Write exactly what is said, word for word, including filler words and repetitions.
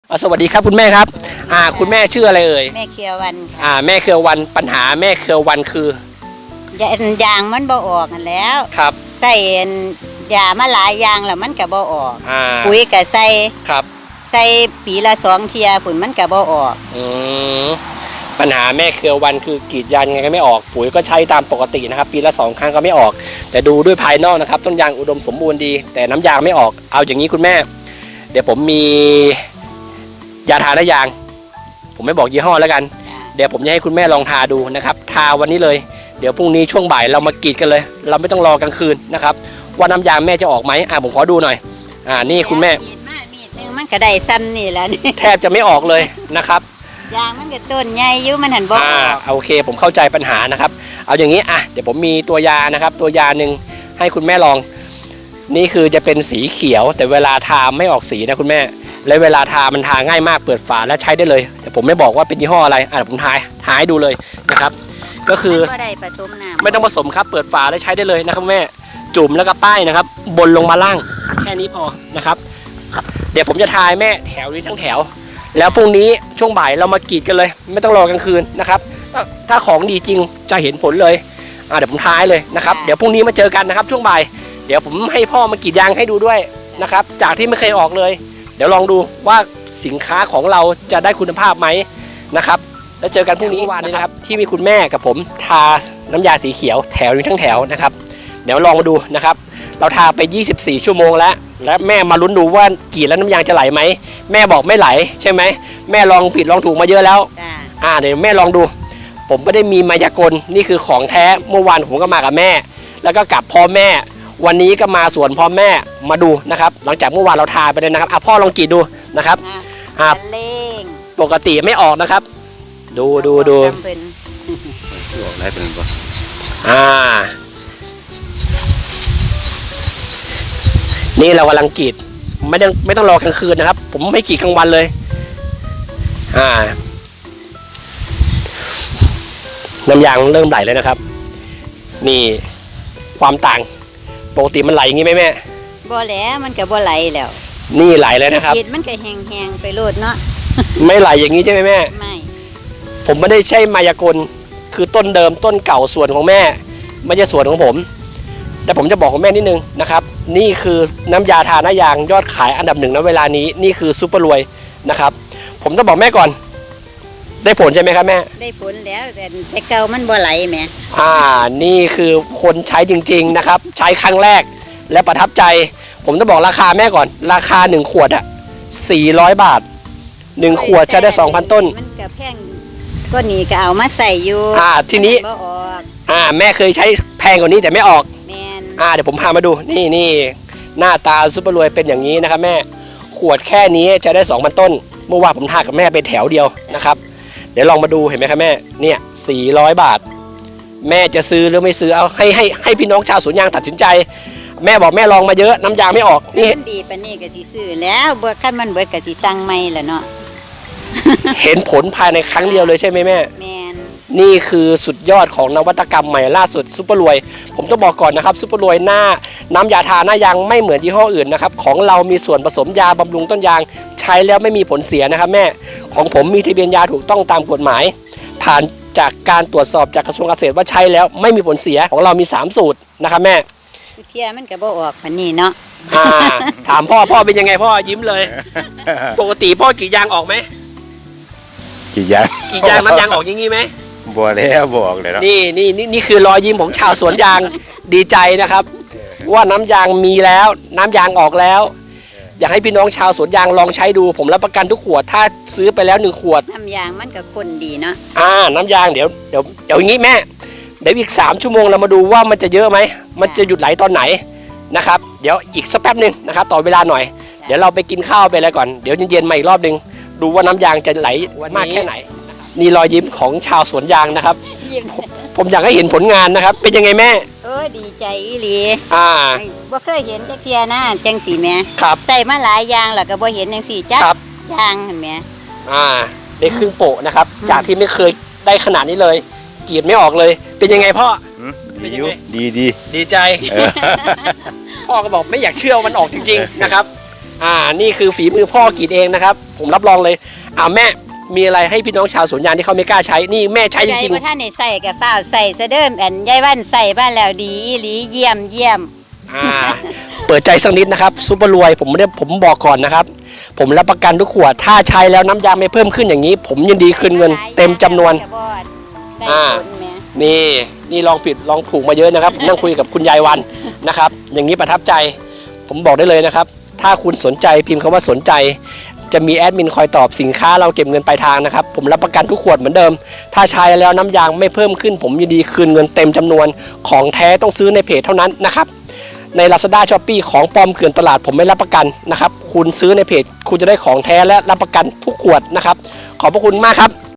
สวัสดีครับคุณแม่ครับอ่าคุณแม่ชื่ออะไรเอ่ยแม่เคียววันอ่าแม่เครือวันปัญหาแม่เครือวันคือยางมันบ่ออกกันแล้วครับใส่ยามาหลายอย่างแล้วมันก็บ่ออกอ่าปุ๋ยก็ใส่ครับใส่ปีละสองเทียผลมันก็บ่ออกอืมปัญหาแม่เครือวันคือกรีดยางยังไงก็ไม่ออกปุ๋ยก็ใช้ตามปกตินะครับปีละสองครั้งก็ไม่ออกแต่ดูด้วยภายนอกนะครับต้นยางอุดมสมบูรณ์ดีแต่น้ำยางไม่ออกเอาอย่างนี้คุณแม่เดี๋ยวผมมียาทาหน้ายางผมไม่บอกยี่ห้อแล้วกันเดี๋ยวผมจะให้คุณแม่ลองทาดูนะครับทาวันนี้เลยเดี๋ยวพรุ่งนี้ช่วงบ่ายเรามากรีดกันเลยเราไม่ต้องรอกลางคืนนะครับว่าน้ำยางแม่จะออกไหมอ่าผมขอดูหน่อยอ่านี่คุณแม่มันก็ได้ซ้ำนี่แหละนี่แทบจะไม่ออกเลยนะครับยางมันก็ต้นใหญ่อยู่มันหันบ่ออกโอเคผมเข้าใจปัญหานะครับเอาอย่างนี้อ่ะเดี๋ยวผมมีตัวยานะครับตัวยาหนึ่งให้คุณแม่ลองนี่คือจะเป็นสีเขียวแต่เวลาทาไม่ออกสีนะคุณแม่และเวลาทามันทาง่ายมากเปิดฝาแล้วใช้ได้เลยแต่ผมไม่บอกว่าเป็นยี่ห้ออะไรอ่ะผมทายทายให้ดูเลยนะครับก็คือไม่ต้องผสมครับเปิดฝาแล้วใช้ได้เลยนะครับแม่จุ่มแล้วก็ป้ายนะครับบนลงมาล่างแค่นี้พอนะครับเดี๋ยวผมจะทายแม่แถวนี้ทั้งแถวแล้วพรุ่งนี้ช่วงบ่ายเรามากรีดกันเลยไม่ต้องรอกลางคืนนะครับถ้าของดีจริงจะเห็นผลเลยอ่าเดี๋ยวผมทายเลยนะครับเดี๋ยวพรุ่งนี้มาเจอกันนะครับช่วงบ่ายเดี๋ยวผมให้พ่อมากรีดยางให้ดูด้วยนะครับจากที่ไม่เคยออกเลยเดี๋ยวลองดูว่าสินค้าของเราจะได้คุณภาพไหมนะครับแล้วเจอกันพรุ่งนี้วันนี้นะครับที่มีคุณแม่กับผมทาน้ำยาสีเขียวแถวนี้ทั้งแถวนะครับเดี๋ยวลองมาดูนะครับเราทาไปยี่สิบสี่ชั่วโมงแล้วและแม่มาลุ้นดูว่ากรีดแล้วน้ำยางจะไหลไหมแม่บอกไม่ไหลใช่ไหมแม่ลองผิดลองถูกมาเยอะแล้วอ่าเดี๋ยวแม่ลองดูผมไม่ได้มีมายากลนี่คือของแท้เมื่อวานผมก็มากับแม่แล้วก็กลับพ่อแม่วันนี้ก็มาสวนพ่อแม่มาดูนะครับหลังจากเมื่อวานเราทาไปเลยนะครับอ่ะพ่อลองกรีดดูนะครับอ่าปกติไม่ออกนะครับดูดูดูออกได้เป็นปะอ่านี่เรากำลังกรีดไม่ต้องไม่ต้องรอกลางคืนนะครับผมไม่กรีดกลางวันเลยอ่าน้ำยางเริ่มไหลเลยนะครับนี่ความต่างปกติมันไหลอย่างนี้ไหมแม่บ่แล้วมันก็บ่ไหลแล้วนี่ไหลเลยนะครับกรีดมันก็แห้งๆไปโลดเนาะไม่ไหลอย่างนี้ใช่ไหมแม่ไม่ผมไม่ได้ใช่มายากลคือต้นเดิมต้นเก่าส่วนของแม่ไม่ใช่ส่วนของผมแต่ผมจะบอกของแม่นิดนึงนะครับนี่คือน้ำยาทาหน้ายางยอดขายอันดับหนึ่งณเวลานี้นี่คือซุปเปอร์รวยนะครับผมต้องบอกแม่ก่อนได้ผลใช่ไหมครับแม่ได้ผลแล้วแต่แต่เก่ามันบ่ไหลแม่อ่านี่คือคนใช้จริงๆนะครับใช้ครั้งแรกและประทับใจผมต้องบอกราคาแม่ก่อนราคาหนึ่งขวดอ่ะสี่ร้อยบาทหนึ่งขวดใช้ได้สองพันต้นมันก็แพงก็นี่ก็เอามาใส่อยู่อ่าทีนี้อ่าแม่เคยใช้แพงกว่านี้แต่ไม่ออกแม่นอ่าเดี๋ยวผมพามาดูนี่นี่หน้าตาซุปเปอร์รวยเป็นอย่างนี้นะครับแม่ขวดแค่นี้จะได้สองพันต้นเมื่อวานผมทากับแม่ไปแถวเดียวนะครับเดี๋ยวลองมาดูเห็นไหมครับแม่เนี่ยสี่ร้อยบาทแม่จะซื้อหรือไม่ซื้อเอาให้ให้ให้พี่น้องชาวสวนยางตัดสินใจแม่บอกแม่ลองมาเยอะน้ำยางไม่ออกนี่ดีปะนี่ก็สิซื้อแล้วเบิดขั้นมันเบิดก็สิสั่งใหม่ละเนาะเห็นผลภายในครั้งเดียวเลยใช่ไหมแม่แม่นนี่คือสุดยอดของนวัตกรรมใหม่ล่าสุดซุปเปอร์รวยผมต้องบอกก่อนนะครับซุปเปอร์รวยหน้าน้ำยาทาหน้ายางไม่เหมือนยี่ห้ออื่นนะครับของเรามีส่วนผสมยาบำรุงต้นยางใช้แล้วไม่มีผลเสียนะครับแม่ของผมมีทะเบียนยาถูกต้องตามกฎหมายผ่านจากการตรวจสอบจากกระทรวงเกษตรว่าใช้แล้วไม่มีผลเสียของเรามีสามสูตรนะครับแม่เทียมันก็บ่ออกพันนี้เนาะถามพ่อพ่อเป็นยังไงพ่อยิ้มเลยปกติพ่อกรีดยางออกไหมกรีดยางกรีดยางน้ำยางออกอย่างงี้ไหมบ่แล้วบอกเลยนะนี่นี่นี่นี่คือรอยยิ้มของชาวสวนยางดีใจนะครับว่าน้ำยางมีแล้วน้ำยางออกแล้วอยากให้พี่น้องชาวสวนยางลองใช้ดูผมรับประกันทุกขวดถ้าซื้อไปแล้วหนึ่งขวดน้ำยางมันก็ข้นดีเนาะอ่าน้ำยางเดี๋ยวเดี๋ยวเดี๋ยวอย่างงี้แม่เดี๋ยวอีกสามชั่วโมงเรามาดูว่ามันจะเยอะไหมมันจะหยุดไหลตอนไหนนะครับเดี๋ยวอีกสักแป๊บนึงนะครับต่อเวลาหน่อยเดี๋ยวเราไปกินข้าวไปอะไรก่อนเดี๋ยวเย็นๆมาอีกรอบนึงดูว่าน้ำยางจะไหลมากแค่ไหนนี่รอยยิ้มของชาวสวนยางนะครับผมอยากให้เห็นผลงานนะครับเป็นยังไงแม่เออดีใจอีหลีอ่าบ่เคยเห็นจักเทียนะจังสีแม่ครับใส่มาหลายอย่างแล้วก็บ่เห็นจังสีจักยางเห็นไหมอ่าได้ครึ่งโปะนะครับจากที่ไม่เคยได้ขนาดนี้เลยกรีดไม่ออกเลยเป็นยังไงพ่อดีดีดีดีใจพ่อก็บอกไม่อยากเชื่อมันออกจริงๆนะครับอ่านี่คือฝีมือพ่อกรีดเองนะครับ ผมรับรองเลยอ่าแม่มีอะไรให้พี่น้องชาวสวนยางที่เขาไม่กล้าใช้นี่แม่ใช้จใจริงบ่ท่านได้ใส่กับฝ้าวใส่ซะเดิมอันยายวันใส่บ้านแล้วดีอีหลีเยี่ยมเยี่ยมๆอ่าเปิดใจสักนิดนะครับซุปเปอร์รวยผมไม่ได้ผมบอกก่อนนะครับ ผมรับประกันทุกขวดถ้าใช้แล้วน้ำยางไม่เพิ่มขึ้นอย่างนี้ ผมยินดีคืนเงินเต็มจำนวนได้อ่าผลแหมนี่นี่ลองผิดลองถูกมาเยอะนะครับผมนั่งคุยกับคุณยายวันนะครับ อย่างนี้ประทับใจ ผมบอกได้เลยนะครับ ถ้าคุณสนใจพิมพ์คำว่าสนใจ จะมีแอดมินคอยตอบสินค้าเราเก็บเงินปลายทางนะครับ ผมรับประกันทุกขวดเหมือนเดิม ถ้าใช้แล้วน้ำยางไม่เพิ่มขึ้น ผมยินดีคืนเงินเต็มจำนวนของแท้ต้องซื้อในเพจเท่านั้นนะครับ ใน Lazada Shopee ของปลอมเกลื่อนตลาดผมไม่รับประกันนะครับ คุณซื้อในเพจคุณจะได้ของแท้และรับประกันทุกขวดนะครับ ขอบพระคุณมากครับ